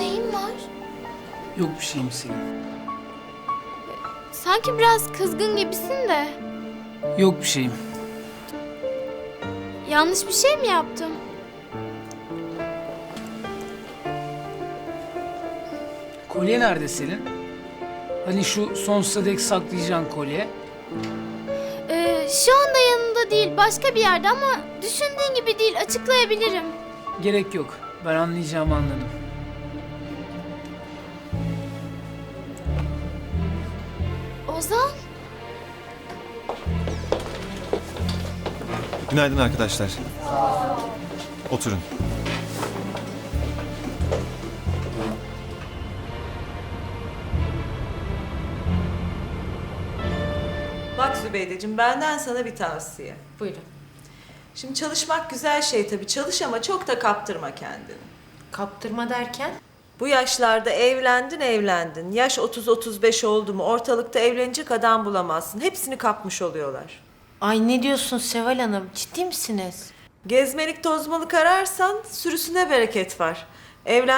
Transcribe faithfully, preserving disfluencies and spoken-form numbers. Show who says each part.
Speaker 1: neyin var?
Speaker 2: Yok bir şeyim Selin.
Speaker 1: Sanki biraz kızgın gibisin de.
Speaker 2: Yok bir şeyim.
Speaker 1: Yanlış bir şey mi yaptım?
Speaker 2: Kolye nerede Selin? Hani şu sonsuza dek saklayacağın kolye.
Speaker 1: Ee, şu anda yanında değil, başka bir yerde ama düşündüğün gibi değil, açıklayabilirim.
Speaker 2: Gerek yok. Ben anlayacağımı anladım.
Speaker 1: Ozan,
Speaker 3: Günaydın arkadaşlar. Oturun.
Speaker 4: Bak Zübeydeciğim, benden sana bir tavsiye.
Speaker 5: Buyurun.
Speaker 4: Şimdi çalışmak güzel şey tabii. Çalış ama çok da kaptırma kendini.
Speaker 5: Kaptırma derken?
Speaker 4: Bu yaşlarda evlendin evlendin. Yaş otuz otuz beş oldu mu ortalıkta evlenecek adam bulamazsın. Hepsini kapmış oluyorlar.
Speaker 5: Ay ne diyorsun Seval Hanım? Ciddi misiniz?
Speaker 4: Gezmelik tozmalık ararsan sürüsüne bereket var. Evlen